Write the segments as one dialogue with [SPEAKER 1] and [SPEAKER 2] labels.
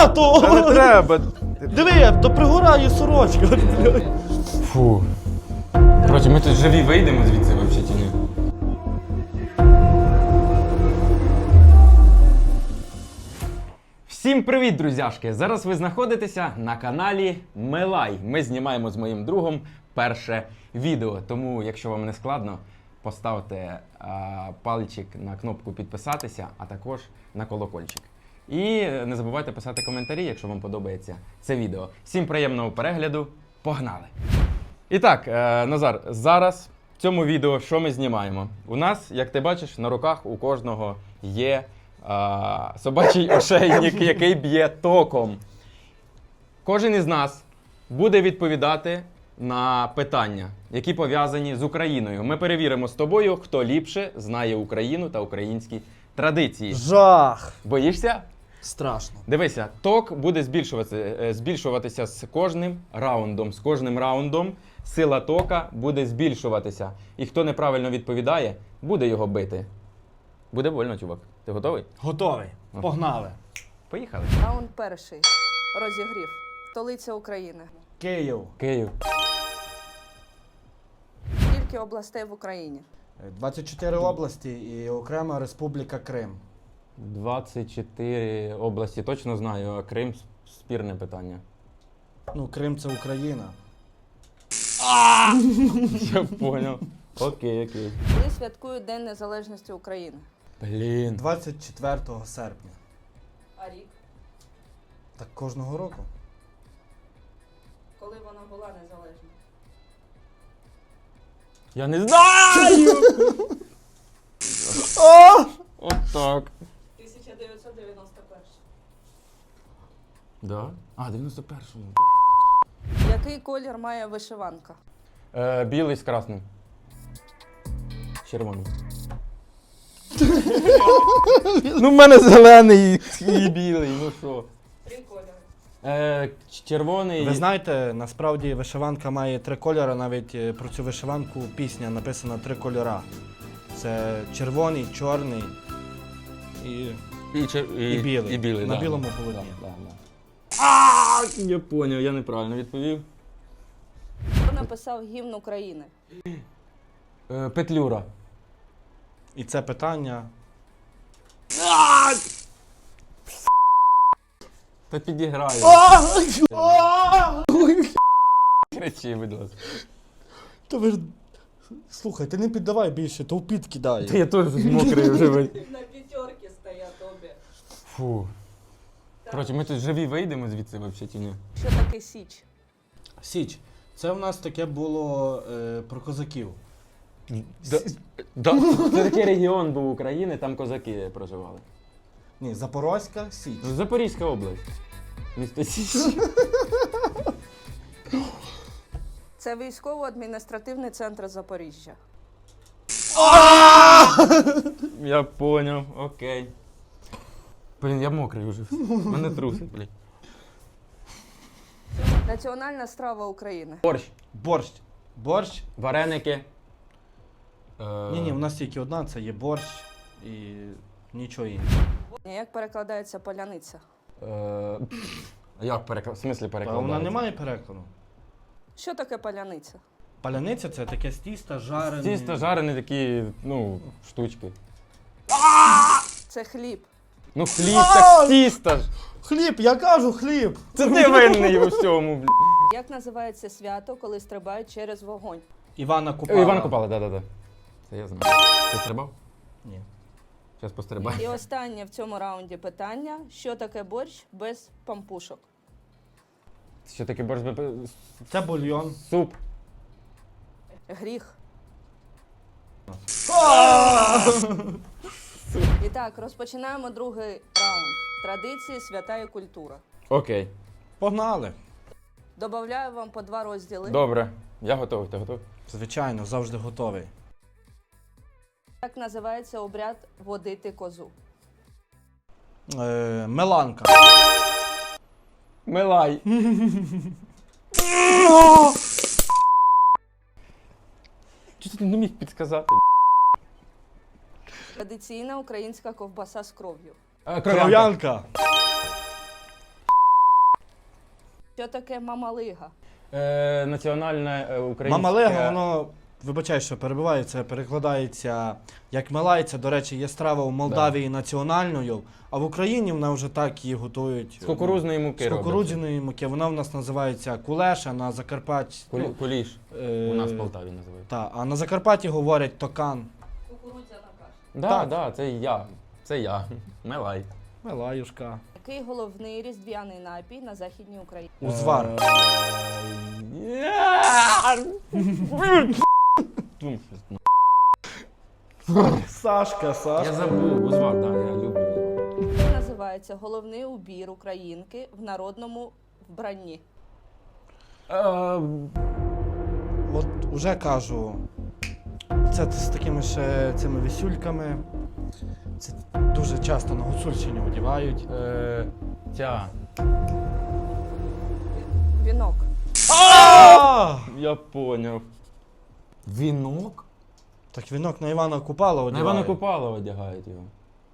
[SPEAKER 1] то!
[SPEAKER 2] Та не треба.
[SPEAKER 1] Диви, то пригорає сорочка.
[SPEAKER 2] Фу. Короче, ми тут живі вийдемо звідси взагалі чи ні? Всім привіт, друзяшки! Зараз ви знаходитеся на каналі Мелай. Ми знімаємо з моїм другом перше відео. Тому, якщо вам не складно, поставте пальчик на кнопку підписатися, а також на колокольчик. І не забувайте писати коментарі, якщо вам подобається це відео. Всім приємного перегляду. Погнали! І так, Назар, зараз в цьому відео що ми знімаємо? У нас, як ти бачиш, на руках у кожного є собачий ошейник, який б'є током. Кожен із нас буде відповідати на питання, які пов'язані з Україною. Ми перевіримо з тобою, хто ліпше знає Україну та українські традиції.
[SPEAKER 1] Жах!
[SPEAKER 2] Боїшся?
[SPEAKER 1] Страшно.
[SPEAKER 2] Дивися, ток буде збільшуватися з кожним раундом. З кожним раундом сила тока буде збільшуватися. І хто неправильно відповідає, буде його бити. Буде больно, чувак. Ти готовий?
[SPEAKER 1] Готовий. Погнали.
[SPEAKER 2] Поїхали.
[SPEAKER 3] Раунд перший. Розігрів. Столиця України.
[SPEAKER 1] Київ.
[SPEAKER 2] Київ.
[SPEAKER 3] Скільки областей в Україні?
[SPEAKER 1] 24 області і окрема Республіка Крим.
[SPEAKER 2] 24 області точно знаю, а Крим спірне питання.
[SPEAKER 1] Ну, Крим це Україна.
[SPEAKER 2] Я понял. Окей.
[SPEAKER 3] Коли святкують День Незалежності України?
[SPEAKER 2] Блін.
[SPEAKER 1] 24 серпня.
[SPEAKER 3] А рік?
[SPEAKER 1] Так кожного року.
[SPEAKER 3] Коли вона була незалежна?
[SPEAKER 2] Я не знаю! От так.
[SPEAKER 3] 1991.
[SPEAKER 2] Да? А, 91-му.
[SPEAKER 3] Який колір має вишиванка?
[SPEAKER 2] Білий з красним. Червоний. Ну, в мене зелений і білий, ну що.
[SPEAKER 3] 3 кольори.
[SPEAKER 2] Червоний.
[SPEAKER 1] Ви знаєте, насправді вишиванка має 3 кольори, навіть про цю вишиванку пісня написана 3 кольора. Це червоний, чорний і білий.
[SPEAKER 2] І білий,
[SPEAKER 1] На
[SPEAKER 2] да.
[SPEAKER 1] білому полотні.
[SPEAKER 2] Да. Я поняв, я неправильно відповів.
[SPEAKER 3] Хто написав гімн України?
[SPEAKER 2] Петлюра.
[SPEAKER 1] І це питання.
[SPEAKER 2] Та підіграю. Кричи, будь ласка.
[SPEAKER 1] То ви ж... Слухай, ти не піддавай більше, то в під кидає.
[SPEAKER 2] Та я теж мокрий вже.
[SPEAKER 3] На п'ятерки стоять обі.
[SPEAKER 2] Фу. Коротше, ми тут живі вийдемо звідси взагалі чи ні?
[SPEAKER 3] Що таке Січ?
[SPEAKER 1] Січ. Це в нас таке було про козаків.
[SPEAKER 2] Да. Це такий регіон був України, там козаки проживали.
[SPEAKER 1] Ні, Запорозька Січ.
[SPEAKER 2] Запорізька область. Місто Січ.
[SPEAKER 3] Це військово-адміністративний центр Запоріжжя.
[SPEAKER 2] Я поняв, окей. Блін, я мокрий вже. Мене трусить, блін.
[SPEAKER 3] Національна страва України.
[SPEAKER 2] Борщ,
[SPEAKER 1] Борщ.
[SPEAKER 2] вареники.
[SPEAKER 1] Ні, у нас тільки одна, це є борщ і нічого іншого.
[SPEAKER 3] Як перекладається поляниця?
[SPEAKER 2] Як переклад? В смислі
[SPEAKER 1] А
[SPEAKER 2] перекладається?
[SPEAKER 1] вона не має перекладу.
[SPEAKER 3] Що таке поляниця?
[SPEAKER 1] Паляниця це таке з тіста жарене.
[SPEAKER 2] Тісто жарені такі, ну, штучки.
[SPEAKER 3] Це хліб.
[SPEAKER 2] Ну хліб, так тісто ж.
[SPEAKER 1] Хліб, я кажу хліб!
[SPEAKER 2] Це ти винний у всьому, блін.
[SPEAKER 3] Як називається свято, коли стрибають через вогонь?
[SPEAKER 1] Івана Купала.
[SPEAKER 2] Іван Купала, да. Це я знаю. Ти стрибав?
[SPEAKER 1] Ні.
[SPEAKER 2] Зараз пострибаю.
[SPEAKER 3] І останнє в цьому раунді питання. Що таке борщ без пампушок?
[SPEAKER 2] Що таке борщ?
[SPEAKER 1] Це бульйон.
[SPEAKER 2] Суп.
[SPEAKER 3] Гріх. І так, розпочинаємо другий раунд. Традиції, свята і культура.
[SPEAKER 2] Окей.
[SPEAKER 1] Погнали.
[SPEAKER 3] Добавляю вам по 2 розділи.
[SPEAKER 2] Добре. Я готовий. Ти готовий?
[SPEAKER 1] Звичайно, завжди готовий.
[SPEAKER 3] Як називається обряд водити козу?
[SPEAKER 1] Меланка.
[SPEAKER 2] Милай. Чого ти не міг підказати?
[SPEAKER 3] Традиційна українська ковбаса з кров'ю.
[SPEAKER 2] Кров'янка.
[SPEAKER 1] Кров'янка.
[SPEAKER 3] Що таке мамалига?
[SPEAKER 2] Національне українське...
[SPEAKER 1] Мамалега, воно, вибачай, що перебиваю, це перекладається як мелайця. До речі, є страва у Молдавії національною, а в Україні вона вже так її готують.
[SPEAKER 2] З кукурудзної муки
[SPEAKER 1] З
[SPEAKER 2] робиться.
[SPEAKER 1] кукурудзяної муки. Вона в нас називається кулеша, на Закарпатті...
[SPEAKER 2] Куліш.
[SPEAKER 1] е,
[SPEAKER 2] У нас в Полтаві називають.
[SPEAKER 1] Та, а на Закарпатті говорять токан.
[SPEAKER 3] Кукурудзяна каша.
[SPEAKER 2] Да,
[SPEAKER 1] Так.
[SPEAKER 2] це я. Це я. Мелай.
[SPEAKER 1] Мелаюшка.
[SPEAKER 3] Який головний різдвяний напій на Західній Україні?
[SPEAKER 1] Узвар. Сашка,
[SPEAKER 2] Я
[SPEAKER 1] Сашка.
[SPEAKER 2] забув, узвар, так, я люблю узвар.
[SPEAKER 3] Як називається головний убір українки в народному вбранні?
[SPEAKER 1] От уже кажу, це з такими ще цими висюльками. Це дуже часто на Гуцульщині одягають.
[SPEAKER 2] Ця.
[SPEAKER 3] Вінок.
[SPEAKER 2] Я поняв. Вінок?
[SPEAKER 1] Так вінок на Івана Купала
[SPEAKER 2] На
[SPEAKER 1] одягають.
[SPEAKER 2] Івана Купалова одягають його.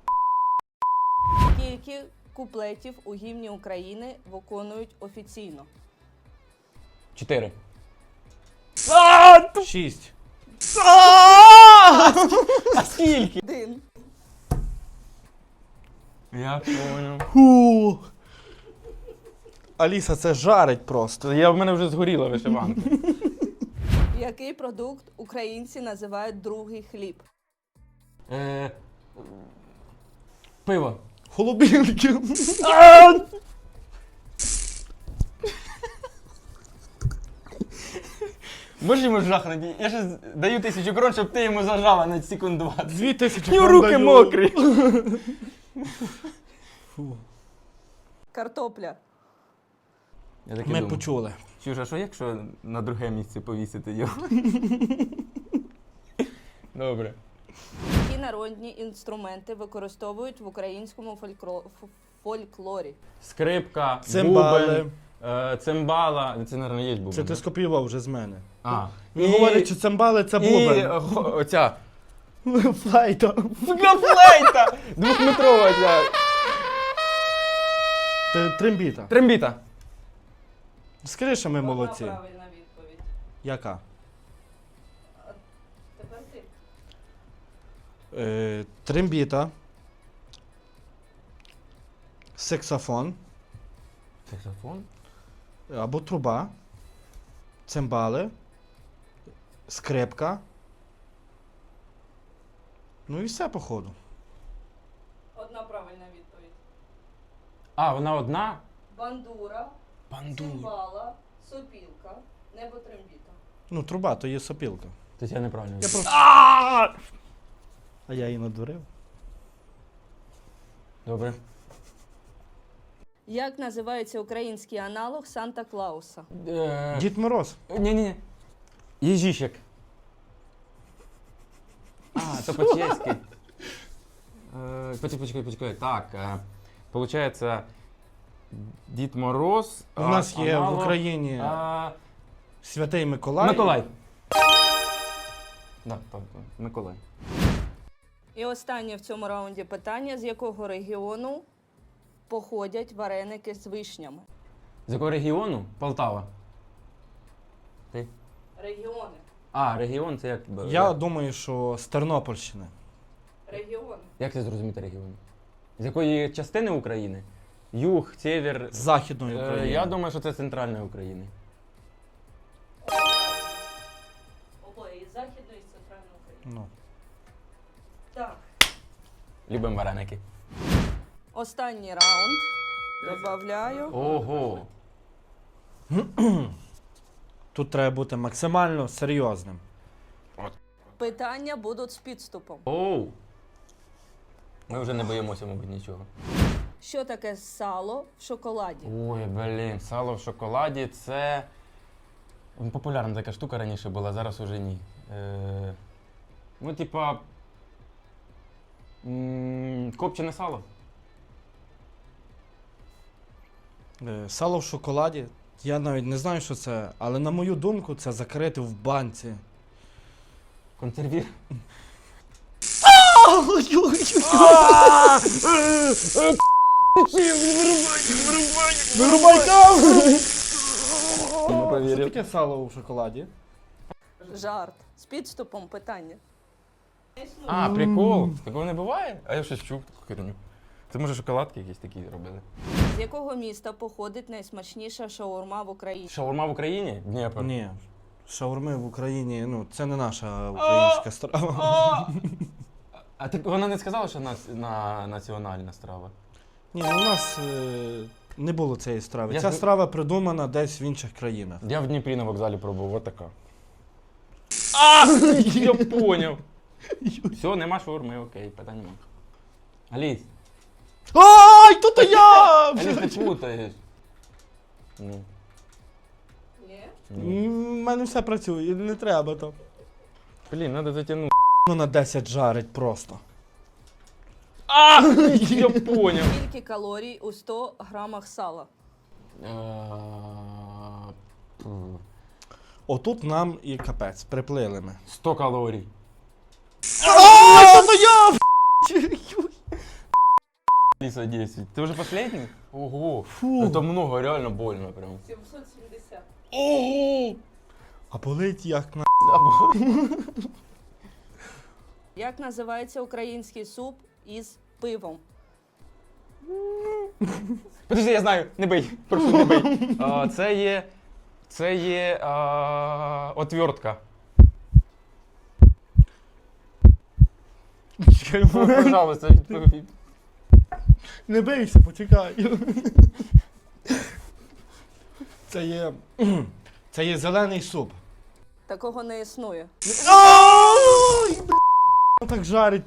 [SPEAKER 3] Скільки куплетів у гімні України виконують офіційно?
[SPEAKER 2] 4.
[SPEAKER 1] 6.
[SPEAKER 2] А скільки?
[SPEAKER 3] 1.
[SPEAKER 2] Я поняв.
[SPEAKER 1] Фу. Аліса, це жарить просто.
[SPEAKER 2] В мене вже згоріла вишиванка.
[SPEAKER 3] Який продукт українці називають другий хліб?
[SPEAKER 2] Пиво.
[SPEAKER 1] Голубінки.
[SPEAKER 2] Можеш йому жахнути? Я ще даю 1000 крон, щоб ти йому зажала на секунд 20.
[SPEAKER 1] 2000
[SPEAKER 2] Його руки мокрі.
[SPEAKER 1] Фу.
[SPEAKER 3] Картопля.
[SPEAKER 2] Я таки
[SPEAKER 1] Ми
[SPEAKER 2] думав.
[SPEAKER 1] почули.
[SPEAKER 2] Чужа, що якщо на друге місце повісити його? Добре.
[SPEAKER 3] Які народні інструменти використовують в українському фольклорі?
[SPEAKER 2] Скрипка,
[SPEAKER 1] Цимбали.
[SPEAKER 2] бубен, цимбала. Це, мабуть, є бубен.
[SPEAKER 1] Це ти
[SPEAKER 2] да?
[SPEAKER 1] скопіював вже з мене.
[SPEAKER 2] А.
[SPEAKER 1] Він говорить, що цимбали це
[SPEAKER 2] І
[SPEAKER 1] бубен.
[SPEAKER 2] оця.
[SPEAKER 1] Флейта.
[SPEAKER 2] Флейта! Двохметрова ця.
[SPEAKER 1] Трембіта.
[SPEAKER 2] Трембіта.
[SPEAKER 1] Скажи, що ми молодці.
[SPEAKER 3] Правильна відповідь.
[SPEAKER 1] Яка?
[SPEAKER 3] Тепер ти.
[SPEAKER 1] Трембіта. Саксофон.
[SPEAKER 2] Саксофон?
[SPEAKER 1] Або труба. Цимбали. Скрипка. Ну і все, походу.
[SPEAKER 3] Одна правильна відповідь.
[SPEAKER 2] А, вона одна?
[SPEAKER 3] Бандура,
[SPEAKER 2] Бандура.
[SPEAKER 3] цимбала, сопілка, небо-трембіта.
[SPEAKER 1] Ну, труба, то є сопілка.
[SPEAKER 2] Тобто я неправильно.
[SPEAKER 1] Я просто... А я її надурив.
[SPEAKER 2] Добре.
[SPEAKER 3] Як називається український аналог Санта-Клауса?
[SPEAKER 1] Дід Мороз.
[SPEAKER 2] Ні-ні-ні. Єжіщик. А, то по-чеськи. Почекай. Так, получається, Дід Мороз.
[SPEAKER 1] У нас є в
[SPEAKER 2] аналог,
[SPEAKER 1] Україні Святий Миколай.
[SPEAKER 2] Миколай. Так, Миколай.
[SPEAKER 3] І останнє в цьому раунді питання: з якого регіону походять вареники з вишнями?
[SPEAKER 2] З якого регіону? Полтава. Ти?
[SPEAKER 3] Регіони.
[SPEAKER 2] А, регіон це як?
[SPEAKER 1] Я думаю, що з Тернопільщини.
[SPEAKER 3] Регіони.
[SPEAKER 2] Як це зрозуміти регіон? З якої частини України? Юг, север.
[SPEAKER 1] З Західної України.
[SPEAKER 2] Я думаю, що це центральна України.
[SPEAKER 3] Обоє із Західної, і з Центральної України.
[SPEAKER 1] Ну.
[SPEAKER 3] Так.
[SPEAKER 2] Любимо вареники.
[SPEAKER 3] Останній раунд. Добавляю.
[SPEAKER 2] Ого.
[SPEAKER 1] Тут треба бути максимально серйозним.
[SPEAKER 3] Питання будуть з підступом.
[SPEAKER 2] Оу. Ми вже не боїмося, мабуть, нічого.
[SPEAKER 3] Що таке сало в шоколаді?
[SPEAKER 2] Ой, блін, сало в шоколаді це. Популярна така штука раніше була, зараз уже ні. Ну, типа. Копчене сало.
[SPEAKER 1] Сало в шоколаді. Я навіть не знаю, що це, але на мою думку, це закрити в банці.
[SPEAKER 2] Консервір.
[SPEAKER 1] Вирубай там! Що
[SPEAKER 2] перевірив.
[SPEAKER 1] таке сало у шоколаді?
[SPEAKER 3] Жарт. З підступом питання.
[SPEAKER 2] А, прикол. Такого не буває? А я щось чув таку херню. Це може шоколадки якісь такі робили.
[SPEAKER 3] З якого міста походить найсмачніша шаурма в Україні?
[SPEAKER 2] Шаурма в Україні? Дніпро.
[SPEAKER 1] Ні. Шаурми в Україні, ну, це не наша українська страва.
[SPEAKER 2] А ти вона не сказала, що національна страва?
[SPEAKER 1] Ні, ну, у нас не було цієї страви.
[SPEAKER 2] Я
[SPEAKER 1] Ця
[SPEAKER 2] зна-
[SPEAKER 1] страва придумана десь в інших країнах.
[SPEAKER 2] Я в Дніпрі на вокзалі пробував, от така. А! Я поняв. Все, нема шаурми, окей, питань нема. Аліс,
[SPEAKER 1] Ай, то я!
[SPEAKER 2] Аліс, ти путаєш. Ну.
[SPEAKER 3] Ні.
[SPEAKER 1] У мене все працює, не треба то.
[SPEAKER 2] Блін, треба затягнути.
[SPEAKER 1] Ну на 10 жарить просто.
[SPEAKER 2] А! Я поняв.
[SPEAKER 3] Скільки калорій у 100 грамах сала?
[SPEAKER 1] Отут нам і капець, приплили ми.
[SPEAKER 2] 100 калорій.
[SPEAKER 1] Ай, то я!
[SPEAKER 2] Алиса 10. Ты уже последний? Ого.
[SPEAKER 1] Фу.
[SPEAKER 2] Это много, реально больно прям.
[SPEAKER 3] 770.
[SPEAKER 1] Ого! А болить як на.
[SPEAKER 3] Як називається український суп із пивом?
[SPEAKER 2] Подожди, я знаю, не бий. Прошу, не бий. Це є отвертка. Пожалуйста, відповідь.
[SPEAKER 1] Не бийся, почекай. Це є зелений суп.
[SPEAKER 3] Такого не існує.
[SPEAKER 1] Ай, бля, так жарить.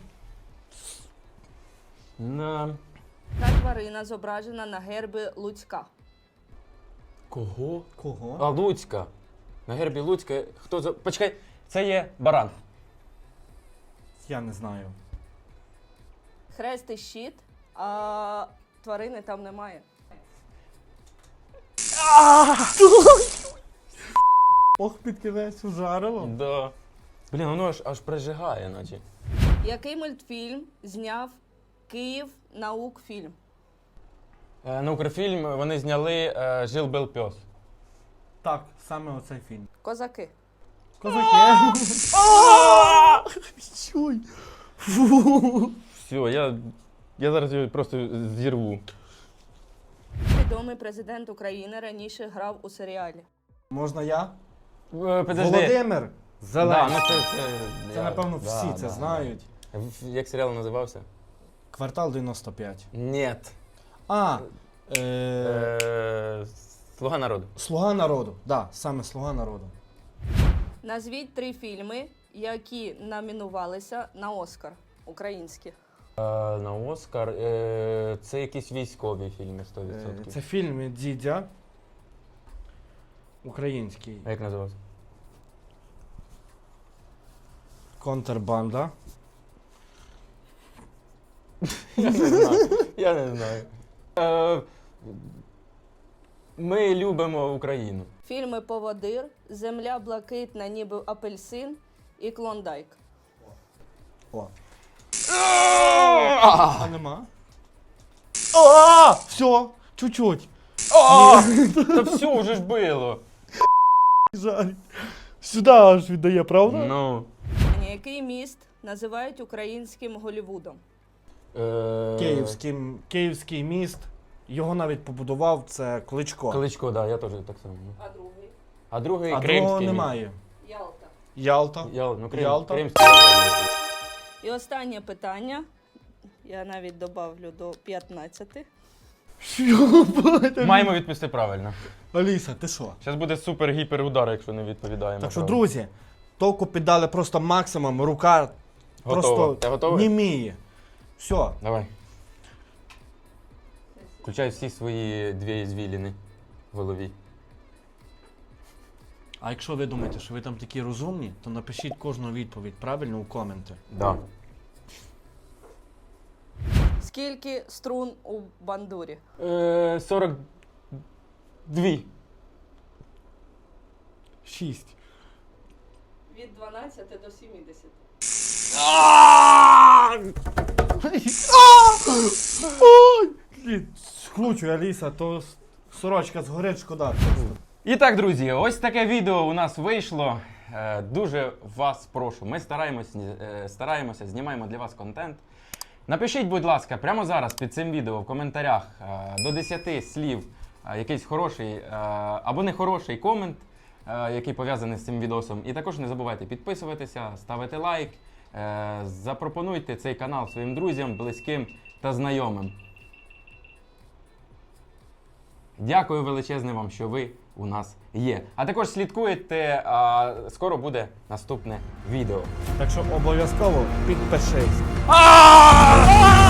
[SPEAKER 2] На.
[SPEAKER 3] Та тварина зображена на гербі Луцька.
[SPEAKER 2] Кого?
[SPEAKER 1] Кого?
[SPEAKER 2] А, Луцька. На гербі Луцька. Хто за. Почекай, це є баран.
[SPEAKER 1] Я не знаю.
[SPEAKER 3] Хрест і щит, а тварини там немає.
[SPEAKER 1] Ох, під кінець ужарило.
[SPEAKER 2] Да. Блін, воно аж прижигає, наче.
[SPEAKER 3] Який мультфільм зняв Київ наукфільм?
[SPEAKER 2] На Укрфільм вони зняли Жил-бил пес.
[SPEAKER 1] Так, саме оцей фільм.
[SPEAKER 3] Козаки.
[SPEAKER 1] Козаки. Чуй. Фу.
[SPEAKER 2] Все, я зараз його просто зірву.
[SPEAKER 3] Відомий президент України раніше грав у серіалі.
[SPEAKER 1] Можна я?
[SPEAKER 2] Подожди.
[SPEAKER 1] Володимир
[SPEAKER 2] Да,
[SPEAKER 1] Зеленський.
[SPEAKER 2] ну
[SPEAKER 1] Це, напевно,
[SPEAKER 2] да,
[SPEAKER 1] всі
[SPEAKER 2] да,
[SPEAKER 1] це
[SPEAKER 2] да.
[SPEAKER 1] знають.
[SPEAKER 2] Як серіал називався?
[SPEAKER 1] Квартал 95.
[SPEAKER 2] Нет.
[SPEAKER 1] А,
[SPEAKER 2] Слуга народу.
[SPEAKER 1] Слуга народу. Да, саме Слуга народу.
[SPEAKER 3] Назвіть 3 фільми, які номінувалися на Оскар українські.
[SPEAKER 2] На Оскар. Це якісь військові фільми 100%.
[SPEAKER 1] Це фільм від Дідя. Український.
[SPEAKER 2] А як називався?
[SPEAKER 1] Контрбанда.
[SPEAKER 2] Я не знаю. Ми любимо Україну.
[SPEAKER 3] Фільми Поводир, Земля блакитна, ніби апельсин і Клондайк.
[SPEAKER 1] О. А нема? А, все, чуть-чуть.
[SPEAKER 2] Та все вже ж було.
[SPEAKER 1] Жаль. Сюди аж віддає, правда?
[SPEAKER 2] Ну.
[SPEAKER 3] Який міст називають українським Голлівудом?
[SPEAKER 1] Київський міст. Його навіть побудував, це Кличко.
[SPEAKER 2] Кличко, так, я теж так само.
[SPEAKER 3] А другий?
[SPEAKER 2] А другий
[SPEAKER 1] А
[SPEAKER 2] кримський.
[SPEAKER 1] другого
[SPEAKER 2] міст.
[SPEAKER 1] немає.
[SPEAKER 3] Ялта.
[SPEAKER 1] Ялта. Ялта.
[SPEAKER 2] Кримський.
[SPEAKER 3] І останнє питання. Я навіть добавлю до 15.
[SPEAKER 2] Маємо відповісти правильно.
[SPEAKER 1] Аліса, ти що?
[SPEAKER 2] Зараз буде супер-гіпер удар, якщо не відповідаємо.
[SPEAKER 1] Так що,
[SPEAKER 2] правильно.
[SPEAKER 1] друзі, толку піддали просто максимум, рука
[SPEAKER 2] Готово.
[SPEAKER 1] просто
[SPEAKER 2] Ти готовий?
[SPEAKER 1] німіє. Все.
[SPEAKER 2] Давай. Включай всі свої 2 ізвіліни в голові.
[SPEAKER 1] А якщо ви думаєте, що ви там такі розумні, то напишіть кожну відповідь правильно у коменти.
[SPEAKER 2] Да.
[SPEAKER 3] Скільки струн у бандурі?
[SPEAKER 2] 42.
[SPEAKER 1] 6.
[SPEAKER 3] Від 12 до 70.
[SPEAKER 1] Скручуй, Аліса, то сорочка згорить, шкода.
[SPEAKER 2] І так, друзі, ось таке відео у нас вийшло. Дуже вас прошу. Ми стараємося, знімаємо для вас контент. Напишіть, будь ласка, прямо зараз під цим відео в коментарях до 10 слів якийсь хороший або нехороший комент, який пов'язаний з цим відосом. І також не забувайте підписуватися, ставити лайк, запропонуйте цей канал своїм друзям, близьким та знайомим. Дякую величезне вам, що ви у нас є. А також слідкуйте, скоро буде наступне відео.
[SPEAKER 1] Так що обов'язково підпишись.
[SPEAKER 2] А!